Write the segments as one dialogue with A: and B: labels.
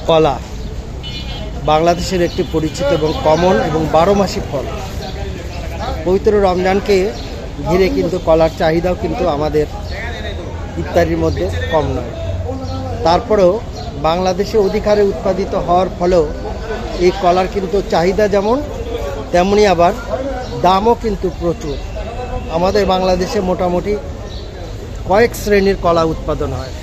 A: কলা বাংলাদেশের একটি পরিচিত এবং কমন এবং 12 মাসি ফল। পবিত্র রমজানকে ঘিরে কিন্তু কলার চাহিদাও কিন্তু আমাদের ইফতারির মধ্যে কম নয়। তারপরেও বাংলাদেশে অধিক হারে উৎপাদিত হওয়ার ফলেও এই কলার কিন্তু চাহিদা যেমন তেমনি আবার দামও কিন্তু প্রচুর। আমাদের বাংলাদেশে মোটামুটি কয়েক শ্রেণীর কলা উৎপাদন হয়।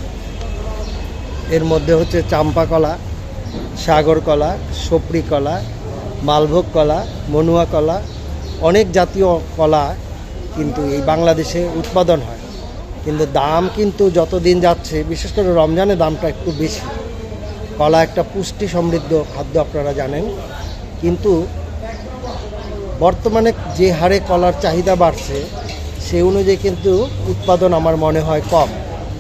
A: এর মধ্যে হচ্ছে চাম্পা কলা, সাগর কলা, সপরি কলা, মালভোগ কলা, মনুয়া কলা, অনেক জাতীয় কলা কিন্তু এই বাংলাদেশে উৎপাদন হয়। কিন্তু দাম কিন্তু যত দিন যাচ্ছে, বিশেষ করে রমজানে দামটা একটু বেশি। কলা একটা পুষ্টি সমৃদ্ধ খাদ্য, আপনারা জানেন। কিন্তু বর্তমানে যে হারে কলার চাহিদা বাড়ছে সেই অনুযায়ী কিন্তু উৎপাদন আমার মনে হয় কম।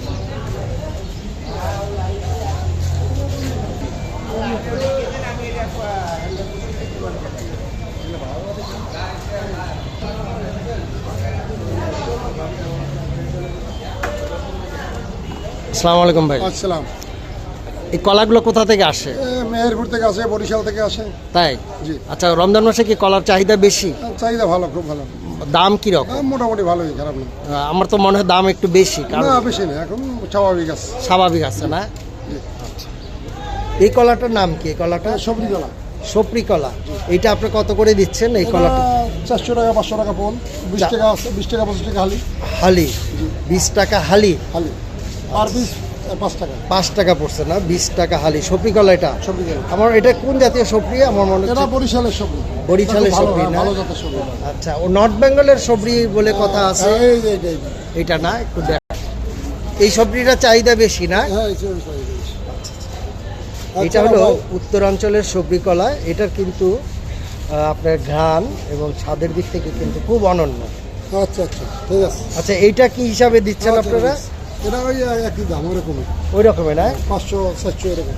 A: আসসালামু আলাইকুম ভাই।
B: আসসালাম।
A: এই কলাগুলো কোথা থেকে আসে?
B: মেহেরপুর থেকে আসে, বরিশাল থেকে আসে।
A: তাই?
B: জি।
A: আচ্ছা, রমজান মাসে কি কলার চাহিদা বেশি?
B: চাহিদা ভালো, খুব ভালো।
A: দাম কি রকম?
B: মোটামুটি ভালোই, খারাপ না।
A: আমার তো মনে হয় দাম একটু বেশি।
B: না, বেশি না, এখন স্বাভাবিক আছে।
A: স্বাভাবিক আছে না? আচ্ছা, এই কলাটার নাম কি? এই কলাটা
B: সবজি কলা।
A: সপরি কলা। এইটা আপনি কত করে দিচ্ছেন এই কলাটা?
B: 400 টাকা, 500 টাকা পোন, 20 টাকা আছে, 20 টাকা 25 টাকা হালি।
A: হালি 20 টাকা হালি।
B: হালি পার পিস 5 টাকা।
A: 5 টাকা পড়ছে না, 20 টাকা হালি। সপরি কলা এটা
B: সবজি কলা।
A: আমার এটা কোন জাতীয় সপরি? আমার মনে
B: এটা
A: হচ্ছে
B: বরিশালের সবজি।
A: বরিশালের সপরি না?
B: ভালো জাতের সবজি।
A: আচ্ছা, ও নর্থ বেঙ্গলের সবরি বলে কথা আছে।
B: এই
A: এটা না, একটু দেখ। এই সবজিটা চাহিদা বেশি না?
B: হ্যাঁ,
A: এটা হলো উত্তরাঞ্চলের সবজি কলা। এটার কিন্তু আপনার ঘ্রাণ এবং স্বাদের দিক থেকে কিন্তু খুব অনন্য।
B: আচ্ছা আচ্ছা, ঠিক আছে।
A: আচ্ছা, এইটা কি হিসাবে দিচ্ছেন আপনারা?
B: এটা ওই একই দাম, ওরকমই।
A: ওই রকমের না?
B: 500 700 এরকম।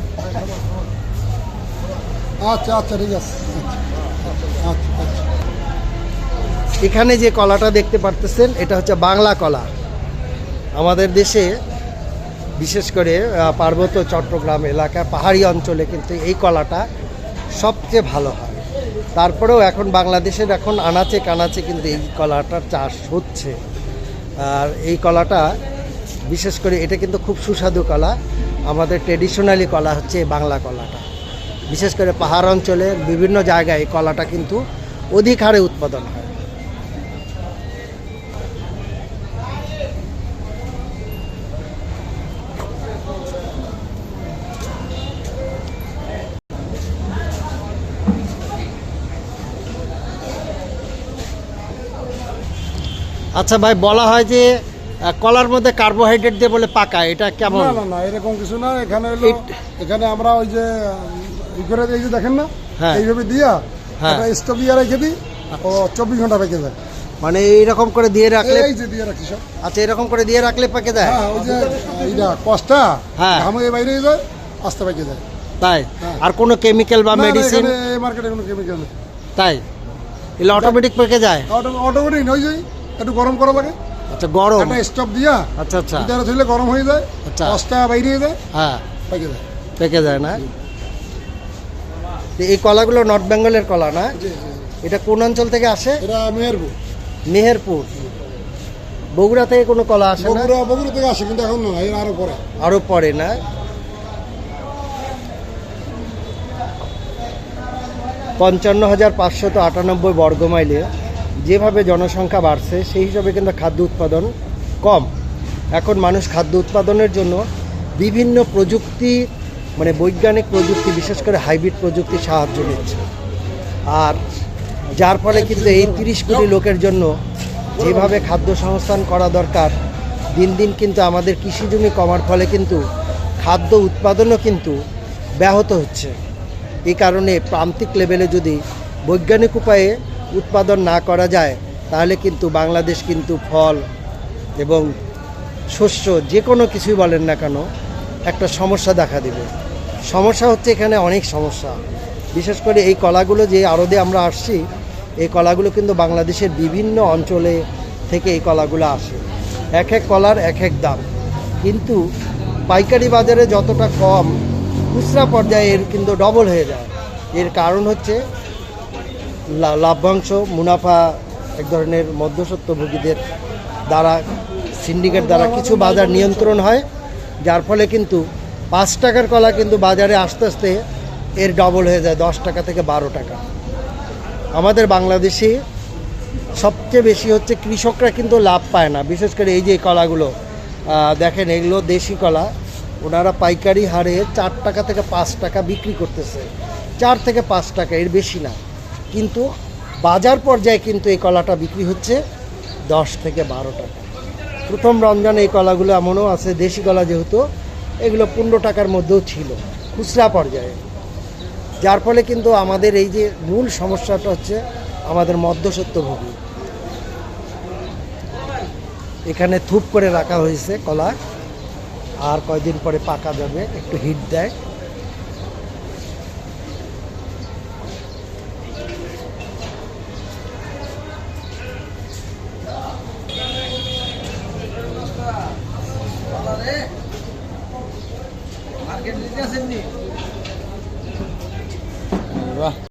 B: আচ্ছা আচ্ছা, ঠিক আছে। আচ্ছা আচ্ছা।
A: এখানে যে কলাটা দেখতে পারতেছেন এটা হচ্ছে বাংলা কলা। আমাদের দেশে বিশেষ করে পার্বত্য চট্টগ্রাম এলাকা, পাহাড়ি অঞ্চলে কিন্তু এই কলাটা সবচেয়ে ভালো হয়। তারপরেও এখন বাংলাদেশের আনাচে কানাচে কিন্তু এই কলাটার চাষ হচ্ছে। আর এই কলাটা বিশেষ করে এটা কিন্তু খুব সুস্বাদু কলা। আমাদের ট্রেডিশনালি কলা হচ্ছে এই বাংলা কলাটা। বিশেষ করে পাহাড় অঞ্চলের বিভিন্ন জায়গায় এই কলাটা কিন্তু অধিক হারে উৎপাদন হয়। আচ্ছা ভাই, বলা হয় যে কলার মধ্যে কার্বোহাইড্রেট দিয়ে বলে পাকা, এটা কেমন?
B: না না না, এরকম কিছু না। এখানে হলো, এখানে আমরা ওই যে এই যে দেখেন না,
A: হ্যাঁ,
B: এইভাবে দিয়া
A: হ্যাঁ,
B: একটা স্টোভ দিয়ে রেখে দিই, ও 24 ঘন্টা পেকে যায়।
A: মানে এইরকম করে দিয়ে রাখলে?
B: এই যে দিয়ে রাখি সব।
A: আচ্ছা, এরকম করে দিয়ে রাখলে পাকে যায়?
B: হ্যাঁ, ওই যে এইটা কষ্টা,
A: হ্যাঁ,
B: ঘামে বাইরে যায়, আস্তে পেকে যায়।
A: তাই?
B: হ্যাঁ।
A: আর কোনো কেমিক্যাল বা মেডিসিন?
B: এই মার্কেটে কোনো কেমিক্যাল নেই।
A: তাই? এগুলো অটোমেটিক পেকে যায়?
B: অটোমেটিক হয়ে যায়, একটু গরম করা লাগে।
A: আচ্ছা, গরম?
B: একটা স্টোভ দিয়া,
A: আচ্ছা আচ্ছা,
B: ভিতরে ধুইলে গরম হয়ে যায়,
A: আচ্ছা,
B: কষ্টা বাইরে যায়,
A: হ্যাঁ,
B: পেকে যায়।
A: পেকে যায় না? তো এই কলাগুলো নর্থ বেঙ্গলের কলা না? এটা কোন অঞ্চল থেকে আসে?
B: এটা মেহেরপুর।
A: মেহেরপুর। বগুড়া থেকে কোনো কলা আসে না?
B: বগুড়া থেকে আসে, কিন্তু এখন না, এর আরো পরে।
A: আরো পরে না? 55,598 বর্গমাইলে যেভাবে জনসংখ্যা বাড়ছে সেই হিসাবে কিন্তু খাদ্য উৎপাদন কম। এখন মানুষ খাদ্য উৎপাদনের জন্য বিভিন্ন প্রযুক্তি, মানে বৈজ্ঞানিক প্রযুক্তি, বিশেষ করে হাইব্রিড প্রযুক্তির সাহায্য নিচ্ছে। আর যার ফলে কিন্তু এই 30 কোটি লোকের জন্য যেভাবে খাদ্য সংস্থান করা দরকার, দিন দিন কিন্তু আমাদের কৃষি জমি কমার ফলে কিন্তু খাদ্য উৎপাদনও কিন্তু ব্যাহত হচ্ছে। এই কারণে প্রান্তিক লেভেলে যদি বৈজ্ঞানিক উপায়ে উৎপাদন না করা যায়, তাহলে কিন্তু বাংলাদেশ কিন্তু ফল এবং শস্য যে কোনো কিছুই বলেন না কেন, একটা সমস্যা দেখা দেবে। সমস্যা হচ্ছে এখানে অনেক সমস্যা। বিশেষ করে এই কলাগুলো যে আড়তে আমরা আসছি, এই কলাগুলো কিন্তু বাংলাদেশের বিভিন্ন অঞ্চলে থেকে এই কলাগুলো আসে। এক এক কলার এক এক দাম, কিন্তু পাইকারি বাজারে যতটা কম খুচরা পর্যায়ে এর কিন্তু ডবল হয়ে যায়। এর কারণ হচ্ছে লাভ্যাংশ, মুনাফা এক ধরনের মধ্যস্বত্বভোগীদের দ্বারা, সিন্ডিকেট দ্বারা কিছু বাজার নিয়ন্ত্রণ হয়, যার ফলে কিন্তু 5 টাকার কলা কিন্তু বাজারে আস্তে আস্তে এর ডবল হয়ে যায় 10 টাকা থেকে 12 টাকা। আমাদের বাংলাদেশে সবচেয়ে বেশি হচ্ছে কৃষকরা কিন্তু লাভ পায় না, বিশেষ করে এই যে কলাগুলো দেখেন, এগুলো দেশি কলা, ওনারা পাইকারি হারে 4 টাকা থেকে 5 টাকা বিক্রি করতেছে, 4 থেকে 5 টাকা, এর বেশি না। কিন্তু বাজার পর্যায়ে কিন্তু এই কলাটা বিক্রি হচ্ছে 10 থেকে 12 টাকা। প্রথম রমজানে এই কলাগুলো এমনও আছে, দেশি কলা যেহেতু, এগুলো 15 টাকার মধ্যেও ছিল খুচরা পর্যায়ে। যার ফলে কিন্তু আমাদের এই যে মূল সমস্যাটা হচ্ছে আমাদের মধ্যস্বত্বভোগী। এখানে থুপ করে রাখা হয়েছে কলা, আর কয়দিন পরে পাকা যাবে, একটু হিট দেয়।
C: বাহ।